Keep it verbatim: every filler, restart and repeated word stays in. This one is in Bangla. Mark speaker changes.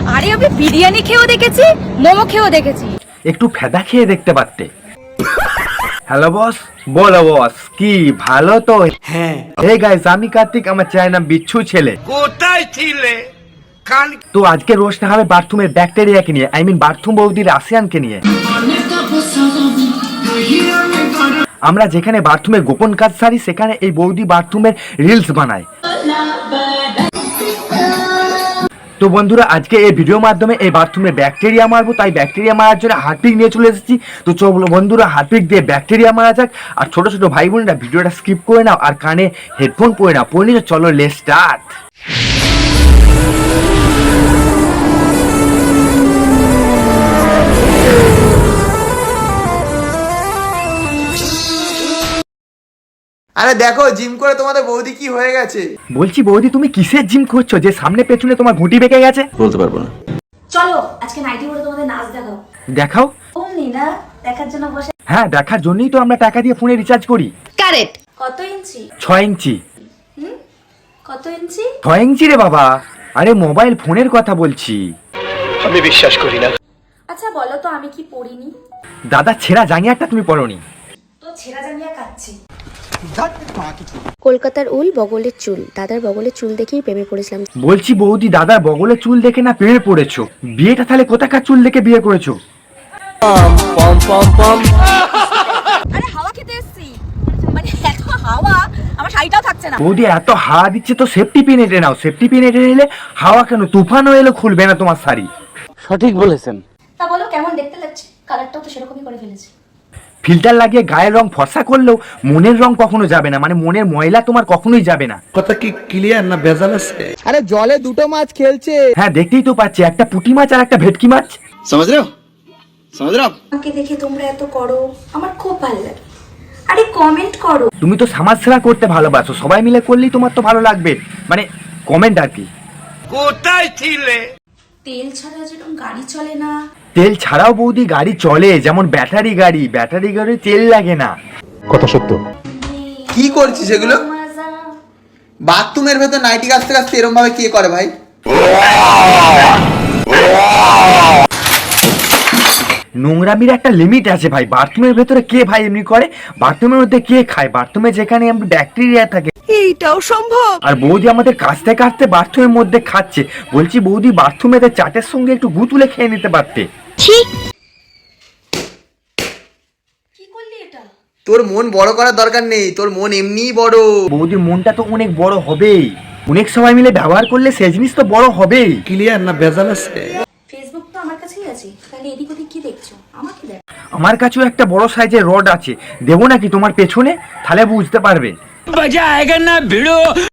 Speaker 1: আরে আমি বিরিয়ানি খেয়েও দেখেছি, মোমো খেয়েও দেখেছি।
Speaker 2: একটু ফেদা খেয়ে দেখতে পারতে। Hello boss. বলো বস, কি ভালো তো?
Speaker 3: হ্যাঁ।
Speaker 2: হে গাইস, আমি কার্তিক, আমার চ্যানেল নাম বিচ্ছু ছেলে।
Speaker 3: কোথায় ছিলে? কাল
Speaker 2: তো আজকে রোস্টটা হবে বাথরুমের ব্যাকটেরিয়াকে নিয়ে, আই মিন বাথরুম বৌদির রাশিয়ানকে নিয়ে। আমরা যেখানে বাথরুমের গোপন কাজ সারি, সেখানে এই বৌদি বাথরুমের রিলস বানায়। তো বন্ধুরা, আজকে এই ভিডিওর মাধ্যমে এই বাথরুমে ব্যাকটেরিয়া মারবো, তাই ব্যাকটেরিয়া মারার জন্য হারপিক নিয়ে চলে এসেছি। তো চলো বন্ধুরা, হারপিক দিয়ে ব্যাকটেরিয়া মারা যাক। আর ছোট ছোট ভাই বোনেরা ভিডিওটা স্কিপ করে নাও আর কানে হেডফোন পরে নাও, পরে নিয়ে চলো লেটস স্টার্ট।
Speaker 4: আরে দেখো জিম করে তোমাদের বৌদি কি হয়ে গেছে।
Speaker 2: বলছি বৌদি, তুমি কিসের জিম করছো যে সামনে পেছনে তোমার ঘুঁটি বেঁকে গেছে?
Speaker 4: বলতে পারবো না।
Speaker 5: চলো আজকে নাইটি পরে তোমাদের নাচ দেখাও।
Speaker 2: দেখাও।
Speaker 5: অমনি না দেখার জন্য বসে।
Speaker 2: হ্যাঁ, দেখার জন্যই তো আমরা টাকা দিয়ে ফোনে রিচার্জ করি।
Speaker 1: কারেক্ট।
Speaker 5: কত ইঞ্চি?
Speaker 2: ছয় ইঞ্চি।
Speaker 5: হুম কত ইঞ্চি?
Speaker 2: ছয় ইঞ্চি রে বাবা, আরে মোবাইল ফোনের কথা বলছি।
Speaker 3: আমি বিশ্বাস করি না।
Speaker 5: আচ্ছা বলো তো আমি কি পড়িনি?
Speaker 2: দাদা ছেঁড়া জাঙ্গিয়াটা তুমি পরোনি।
Speaker 5: তো ছেঁড়া জাঙ্গিয়া কাচ্ছি।
Speaker 6: কলকাতার উল বগলের চুল, দাদার বগলের চুল দেখেই প্রেমে পড়েছিলাম।
Speaker 2: বলছি বৌদি, দাদার বগলের চুল দেখে না প্রেমে পড়েছো? বিয়েটা তাহলে কোথাকার চুল দেখে বিয়ে করেছো?
Speaker 1: আরে হাওয়া খেতে এসেছি, মানে এত হাওয়া আমার শাড়িটাও থাকছে না।
Speaker 2: বৌদি এত হাওয়া দিচ্ছে তো সেফটি পিন এঁটে নাও। সেফটি পিন এঁটে নিলে হাওয়া কেন, তুফানও এলো খুলবে না তোমার শাড়ি।
Speaker 3: সঠিক বলেছেন।
Speaker 5: তা বলো কেমন দেখতে লাগছে? কালারটাও তো সেরকমই করে ফেলেছি।
Speaker 2: ফিল্টার লাগিয়ে গায়ের রং ফর্সা করলেও মনের রং কখনো যাবে না, মানে মনের ময়লা তোমার কখনোই যাবে না।
Speaker 3: কথা কি ক্লিয়ার না ভেজাল আছে?
Speaker 4: আরে জলে দুটো মাছ খেলছে।
Speaker 2: হ্যাঁ, দেখতেই তো পাচ্ছি, একটা পুঁটি মাছ আর একটা ভেটকি মাছ।
Speaker 4: समझ रहे हो समझ रहे हो
Speaker 5: আমাকে দেখে তোমরা এত করো, আমার খুব ভালো লাগে। আরে কমেন্ট করো।
Speaker 2: তুমি তো সমাজ সেবা করতে ভালোবাসো, সবাই মিলে করলেই তোমার তো ভালো লাগবে, মানে কমেন্ট আর কি।
Speaker 3: কোথায় ছিলে?
Speaker 5: তেল ছাড়া যেরকম গাড়ি চলে না,
Speaker 2: তেল ছাড়াও বৌদি গাড়ি চলে, যেমন ব্যাটারি গাড়ি। ব্যাটারি গাড়ি তেল লাগে না।
Speaker 3: কথা সত্য।
Speaker 4: কি করছিস এগুলো?
Speaker 5: মজা।
Speaker 4: বাথরুমের ভেতর নাইটি কাচতে কাচতে এরকম ভাবে কে করে ভাই?
Speaker 2: নোংরামির একটা লিমিট আছে ভাই। বাথরুমের ভেতরে কে ভাই এমনি করে? বাথরুমের মধ্যে কে খায়? বাথরুমে যেখানে আমরা ব্যাকটেরিয়া থাকে।
Speaker 1: এইটাও সম্ভব?
Speaker 2: আর বৌদি আমাদের কাছতে কাছতে বাথরুমের মধ্যে খাচ্ছে। বলছি বৌদি, বাথরুমেতে চাটের সঙ্গে একটু গু তুলে খেয়ে নিতে পারতে।
Speaker 5: কি করলি এটা?
Speaker 4: তোর মন বড় করার দরকার নেই, তোর মন এমনিই বড়।
Speaker 2: বৌদির মনটা তো অনেক বড় হবেই, অনেক সবাই মিলে ব্যবহার করলে সে জিনিস তো বড় হবেই।
Speaker 3: ক্লিয়ার না ভেজাল আছে?
Speaker 5: ফেসবুক তো আমার কাছেই আছে, তাহলে এদিক ওদিক কি দেখছো? আমাকে দেখ।
Speaker 2: আমার কাছেও একটা বড় সাইজের রড আছে, দেবো নাকি তোমার পেছনে? তাহলে বুঝতে পারবে।
Speaker 3: মজা আয়েগা না ভিড়ো।